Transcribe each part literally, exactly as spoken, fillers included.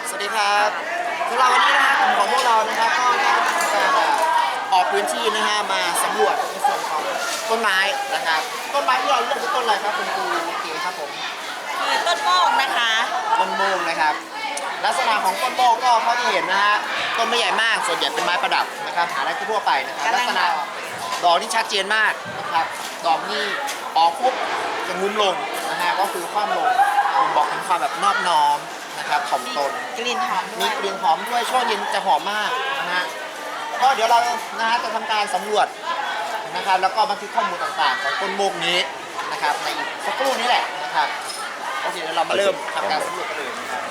สวัสดีครับสำหรับวันนี้นะครับกลุ่มของพวกเรานะครับก็ได้ทำการออกพื้นที่นะฮะมาสำรวจในส่วนของต้นไม้นะครับต้นไม้ที่เราเลือกคือต้นอะไรครับคุณครูเก๋ครับผมคือต้นโมกนะคะต้นโมงนะครับลักษณะของต้นโมงก็เท่าที่เห็นนะฮะต้นไม่ใหญ่มากส่วนใหญ่เป็นไม้ประดับนะครับหาได้ทั่วไปนะครับลักษณะดอกที่ชัดเจนมากนะครับดอกนี่ออกปุ๊บจะงุ้มลงนะฮะก็คือคว่ำลงบ่งบอกถึงความแบบนอบน้อมนะครับถ่อมตนกลิ่นหอมด้มีวยกลิ่นหอมด้วยช่วงเย็นจะหอมมากนะฮะก็เดี๋ยวเรานะฮะจะทำการสำรวจนะครับแล้วก็บันทึกข้อมูลต่างๆของต้นโมกนี้นะครับในอีกสักครู่นี้แหละนะครับโอเคเดี๋ยวเรามาเริ่มทำการสำรวจกันเลยนะครับ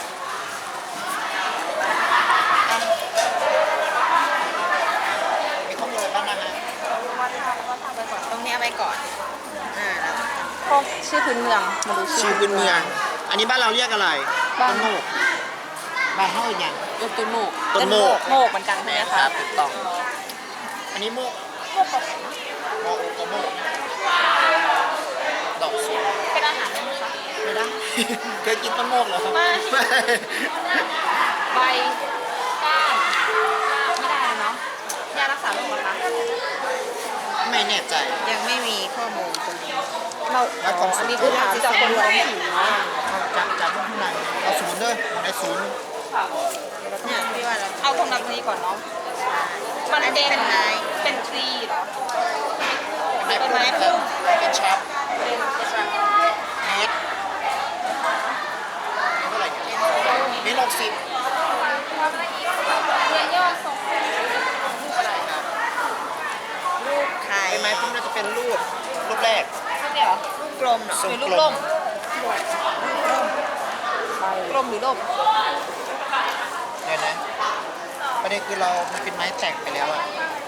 มีข้อมูลอะไรบ้างนะฮะตรงนี้เอาไปก่อนอ่าแล้วพวกชื่อพื้นเมืองมาดูชื่อพื้นเมืองอันนี้บ้านเราเรียกอะไรต้นโมกบ้านเฮาอีกอย่างต้นต้นโมกต้นโมกโมกเหมือนกันใช่ไหมคคะรับถูกต้องอันนี้โมกโมกกับโมกกับโมกดอกสวยเป็นอาหารได้ไหมคะไม่ได้ เคยกินต้นโมกเหรอครับไม่ ใบก้านไม่ได้เนาะยารักษาโรคเหรอคะไม่แน่ใจยังไม่มีข้อมูลตรงนี้เราอ๋ออันนี้คือถามจากคนท้องถิ่นเนาะเขาจับจับข้างในเอาศูนย์ด้วยในศูนย์เนี่ยพี่ว่าเราเอาตรงนั้นนี้ก่อนเนาะมันอันนี้เป็นไม้เป็นทรีเหรอเป็นไม้พุ่มเป็นช็อปเป็นเมตรเท่าไหร่เนี่ยเมตรหกสิบเนี่ยยอดทรงอะไรครับลูกไข่เป็นไม้พุ่มน่าจะเป็นรูปรูปแรกเนี่ยเหรอลูกกลมเหรอทรงเป็นกลูกลล่มมกลมหรือล่มเดี๋ยวนะประเด็นคือเรามันเป็นไม้แตกไปแล้วอะ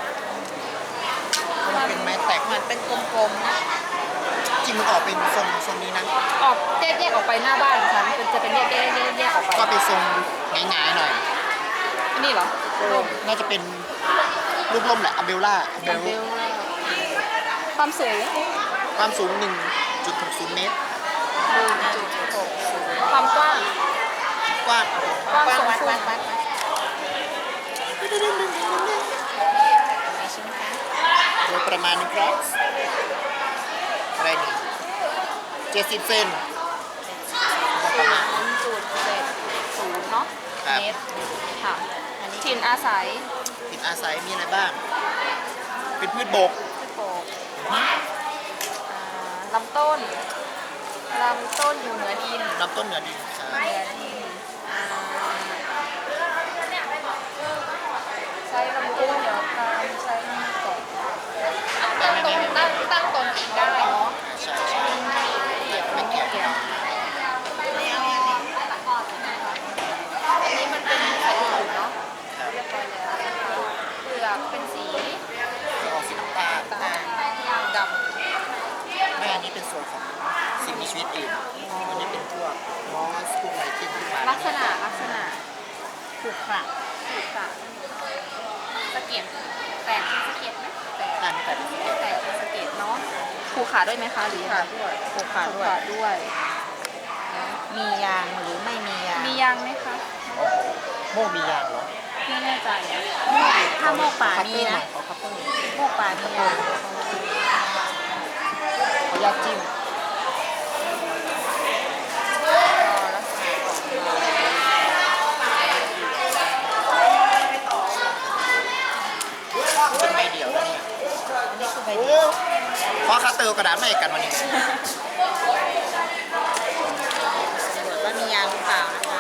มันเป็นไม้แตกเหมือนเป็นกลมๆนะจริงมันออกเป็นทรงทรงนี้นะออกแยกแยกออกไปหน้าบ้านฉันเป็นจะเป็นแยกแยกแยกแยกออกไปก็เป็นทรงหงายๆหน่อยอันนี้เหรอร่มน่าจะเป็นรูปร่มแหละอัมเบลล่าอัมเบลเบลความสูงความสูง หนึ่งจุดหกศูนย์ เมตรหนึ่งจุดหกศูนย์ความกว้างกว้างกว้างวัดสูงวัดสุวัดดวัดไม่ใช่ไหมคะโดยประมาณนี้ครับอะไรนี่เจ็ดสิบเซนประมาณศูนย์จุดเจ็ดศูนย์เนาะครับเมตรค่ะอันนี้ถิ่นอาศัยติดอาศัยมีอะไรบ้าง เป็นพืชบกที่โปกอ่าลำต้นลำต้นอยู่เหนือดินลำต้นเหนือดินครับเหนือดินอ่าใช้ลำต้นเดี๋ยวตามใช้ก่อนตั้งตรงตั้งตั้งตรงอีกได้เนาะใช่ใช่ไม่เกี่ยวเกี่ยวไม่เอาไม่เอาอันนี้มันเป็นไข่ตุ๋นเนาะครับเรียบร้อยแล้วนะคะเปลือกเป็นสีจะออกสีน้ำตาลตาลดำแม่อันนี้เป็นส่วนของสิ่งมีชีวิตอื่นอันนี้เป็นพวกมอสพวกอะไรที่ขึ้นมาลักษณะลักษณะถูกค่ะถูกค่ะสะเก็ดแตกเป็นสะเก็ดไหมแตกอันนี้แต่เป็นสีแตกเป็นสะเก็ดเนาะผูกขาด้วยไหมคะหรือยังไงด้วยถูกผูค่ะกด้วยขาด้วยมียางหรือไม่มียางมียางไหมคะโอ้โหโม่มียางเหรอไม่แน่ใจอะถ้าโมกป่ามีนะเขาคัตเตอร์โมกป่ามียางเขายากจิ้ม เป็นใบเดี่ยวนะเนี่ยอันนี้คือใบโอ้เดียวเพราะคัตเตอร์กระดาษไม่กันวันนี้ตรวจว่ามียางหรือเปล่านะคะ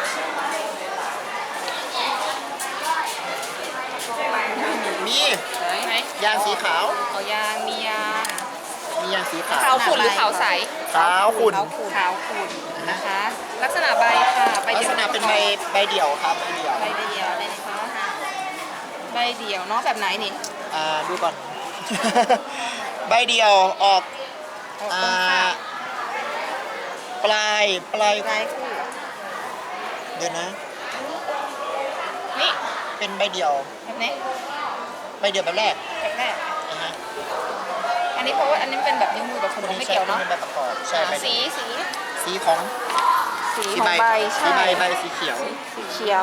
มีไหนยางสีขาวเอายางมียางมียางสีขาขาว วขุ่นหรือขาวใสขาวขุ่นขาวขุ่นขาวขุ่นนะคะ ลักษณะใบค่ะใบลักเดี่ยวษณะเป็นใบใบเดี่ยวครับใบเดี่ยวใบเดียวเลยนะคะใบเดียวเนาะแบบไหนนี่อ่าดูก่อน ใบเดี่ยวออกออกอ่ตรงข้าาง ปลายปลายปลายคู่เดี๋ยวนะนี่เป็นใบเดี่ยวแบบนี้ใบเดี่ยวแบบแรกแบบแรกนะฮะอันนี้เพราะว่าอันนี้เป็นแบบนิ้วมือกับขนมไม่เกี่ยวเนาะใช้เป็นใบประกอบใช่ใบสีเดี่ยวสีสีของสีสีของใบใบสีใช่ใบใบสีเขียวสีเขียว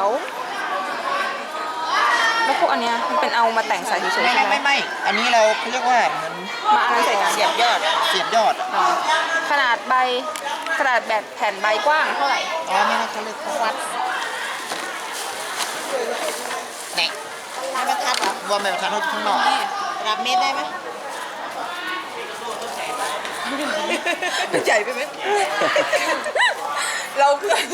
แล้วพวกอันเนี้ยมันเป็นเอามาแต่งใส่เฉยๆไม่ใช่ไม่ไหมไม่ไม่อันนี้เราเขาเรียกว่าเหมือนมาอันนั้นใส่กันเสียบยอดเสียบยอดอะหรอขนาดใบขนาดแบบแผ่นใบกว้างเท่าไหร่อ๋อไม่น่าเขาเรียกวัดไหนไม่บรรทัดเหรอว่าไม่ทันเขาอยู่ข้างนอกรับเม็ดได้ไหมใหญ่ไปไหมเราเพื่อน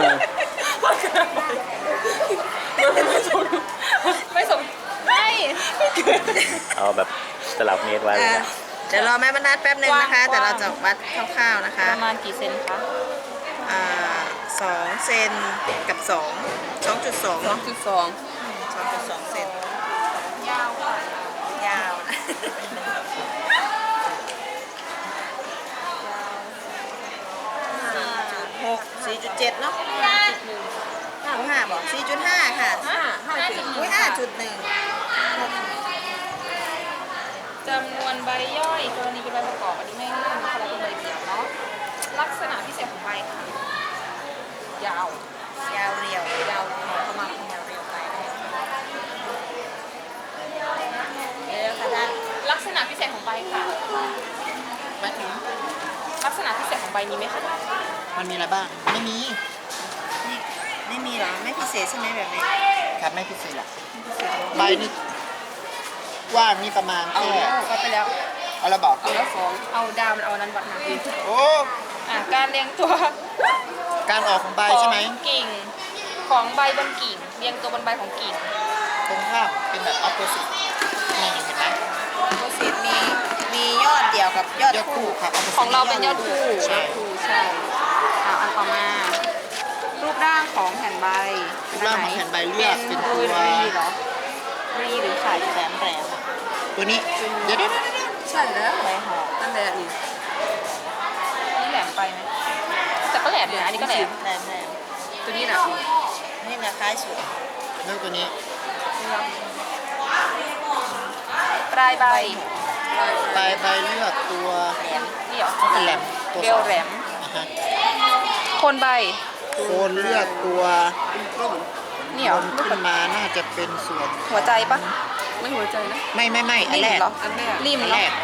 ไม่สมไม่สมไม่เอาแบบสลับเมตรไว้เลยนะเดี๋ยวรอแม่บรรทัดแป๊บหนึ่งนะคะ แต่เราจะวัดคร่าวๆนะคะ ประมาณกี่เซนคะอ่าสองเซนกับสองสองจุดสองสองจุดสองสองจุดสองเซนยาวค่ะยาวนะหกสี่จุดเจ็ดเนาะห้าห้าบอกสี่จุดห้าค่ะห้าห้าจุดหนึ่อุ้งยห้าจุดหนึ่งจำนวนใบย่อยกรณีเป็นใบประกอบอันนี้ไม่ไม่มีอะไรเป็นใบเดี่ยวเนาะลักษณะพิเศษของใบค่ะยาวยาวเรียวยาวประมาณยาวเรียวไปเร็วค่ะท่านลักษณะพิเศษของใบค่ะหมายถึงลักษณะพิเศษของใบมีไหมคะมันมีอะไรบ้าง ไม่มีนี่ไม่มีเหรอ ไม่พิเศษใช่ไหมแบบนี้ครับไม่พิเศษหรอกใบนี่กว้างนี่ประมาณเอาแค่แล้วก็ไปแล้วเอาละบอกเอาแล้วสองเอาดาวมันเอานั้นวัดหนักอีกโอ้อ่ะการเรียงตัวการออกของใบขอใช่งไหมกิ่งของใบบนกิ่งเรียงตัวบนใบของกิ่งตรงข้ามเป็นแบบ opposite นี่เห็นไหมโพสิตมีมียอดเดี่ยวกับยอดยอดคู่คู่ครับ opposite ของเราเป็นยอดคู่ใช่คู่ใช่อ่ะอันต่อมา รูปร่างของแผ่นใบรูปร่างของแผ่นใบเลือกเป็นตัวรีเหรอรีหรือไข่แหลมแหลมตัวนี้เดี๋ยวเดี๋ยวเดี๋ยวเดี๋ยวใช่แล้วใบห่อนั่นแหละนี่นี่แหลมไปไหมแต่ก็แหลมอยู่นะอันนี้ก็แหลมแหลมแหลมตัวนี้นะนี่นะคล้ายสุดเลือกตัวนี้ปลายใบปลายใบเลือกตัวแหลมนี่เหรอเป็นแหลมตัวเบสลองแหลมอ่าฮะโคนใบโคนเลือกตัวนี่เหรอคนขึ้นมาน่าจะเป็นส่วนหัวใจปะไม่หัวใจนะไม่ไม่ไม่อันริมแรกเหรออันแรกริมอันเหรแรอก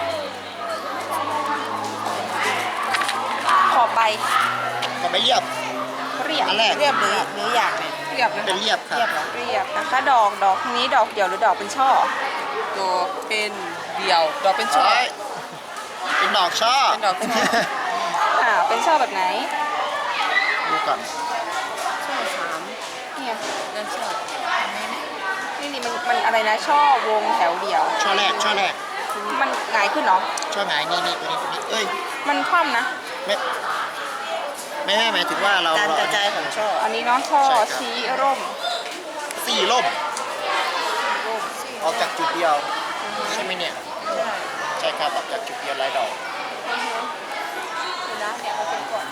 ขอบใบก็ไม่เรียบเรียบอันแรกเรียบหรือหรืออยากเนี่ยเรียบนะเป็นเรียบครับเรียบเหรอเรียบนะคะ ดอกดอกนี้ดอกเดี่ยวหรือดอกเป็นช่อดอกเป็นเดี่ยว ดอกเป็นช่อเอ้ยเป็นดอกช่อเป็นดอกช่ออ่าเป็นช่อแบบไหนดูก่อนช่อสามเนี่ยนั่นช่อนี่นี่มันมันอะไรนะช่อวงแถวเดี่ยวช่อแรกช่อแรกมันหงายขึ้นเนาะช่อหงายนี่นี่ตัวนี้ตัวนี้เอ้ยมันคว่ำนะไม่ไม่ไม่หมายถึงว่าเราการเรากระจายของช่ออันนี้เนาะช่อใช่ครับชี้ร่มสี่ล่มออกจากจุดเดียว ใช่ไหมเนี่ย ใช่ครับออกจากจุดเดียวลายดอกเดี๋ยวนะเดี๋ยวเอาเป็นก่อน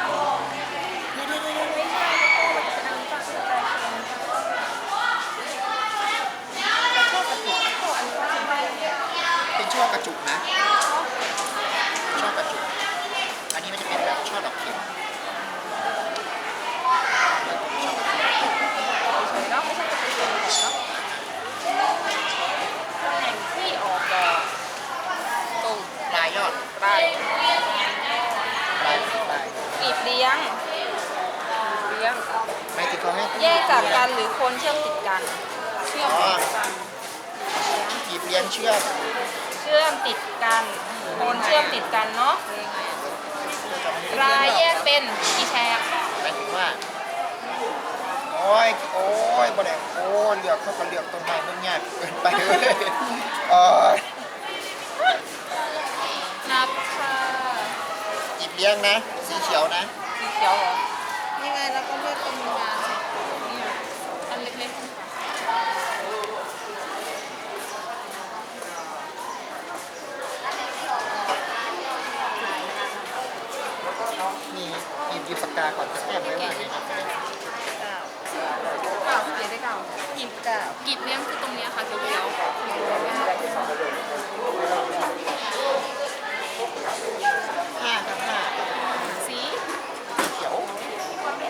เป็นช่อกระจุกนะ ช่อกระจุก อันนี้มันจะเป็นแบบช่อดอกเข็มเฉยๆเนาะไม่ใช่จะเป็นเนาะตำแหน่งที่ออกดอกตรงปลายยอดปลายปลายปลายกลีบเลี้ยงเลี้ยงหมายถึงเขาให้แยกจากกันหรือโคนเชื่อมติดกัน เชื่อมติดกันกีบเลี้ยงเชือกเชื่อมติดกันโคนเชื่อมติดกันเนาะรายแยกเป็นกี่แฉกหมายถึงว่า โอ้ย โอ้ยบ่ได้โอ้ยเลือกเขาก็เลือกต้นไม้ต้นหญ้าเกินไปเลยเออนับค่ะกีบเลี้ยงนะ สีเขียวนะสีเขียวเหรอนี่ไงเราก็เลือกตรงกลางเนี่ยอันเล็กๆมีหยิบหยิบปากกาก่อนจะแต้มไว้ว่าไงครับเก้าเขียนได้เก้ากีบเก้ากีบเลี้ยงคือตรงเนี้ยค่ะเขียวห้าครับห้าๆสีเขียวเ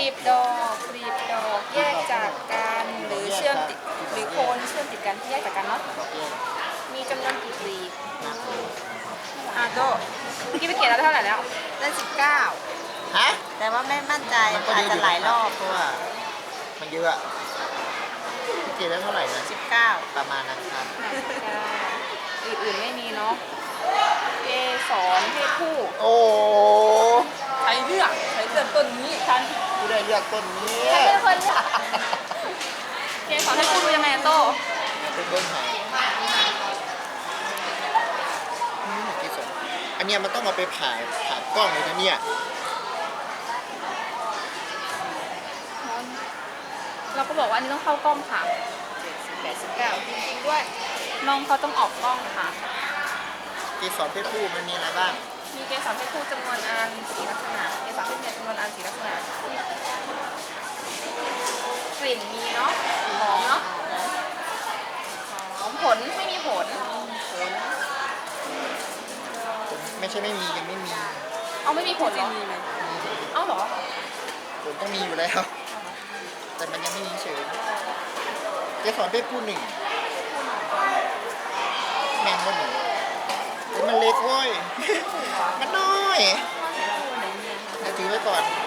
บดอกกลีบดอกแยกจากกันหรือเชื่อมติดหรือโคนเชื่อมติดกันที่แยกจากกันเนาะดอกแยกมีจำนวนกี่กลีบนะอ่ะโตเมื่อกี้ไปเขียนแล้วเท่าไหร่แล้วได้สิบเก้าฮะแต่ว่าไม่มั่นใจมันก็อาจเยอะจะหลายรอบเพราะว่ามันเยอะอะพี่เกดได้เท่าไหร่นะสิบเก้าประมาณนั้นครับอื่นๆไม่มีเนาะเกสรเพศผู้โอ้ใช้เลือกใช้เลือกต้นนี้ฉันผู้ได้เลือกต้นนี้ใครเป็นคนเลือกเกสรเพศผู้ดูยังไงอะโตเป็นเบิ้งไห้อืมที่สุดอันเนี้ยมันต้องเอาไปผ่าผ่ากล้องเลยนะเนี่ยเราก็บอกว่าอันนี้ต้องเข้ากล้องค่ะแปดสิบเก้าจริงๆด้วยน้องเขาต้องออกกล้องค่ะเกสรเพศผู้มันมีอะไรบ้างมีเกสรเพศผู้จำนวนอันสีลักษณะเกสรเพศเมียจำนวนอันสีลักษณะกลิ่นมีเนาะหอมเนาะหอมผลไม่มีผลผลไม่ใช่ไม่มียังไม่มีเอาไม่มีผลเหรอมีไหมเอาเหรอผลต้องมีอยู่แล้ว แต่มันยังไม่มีเฉยเกสรเพศผู้หนึ่งแมงก็หนึ่งเฮ้ยมันเล็กเว้ย มันน้อยเดี๋ยวถือไว้ก่อน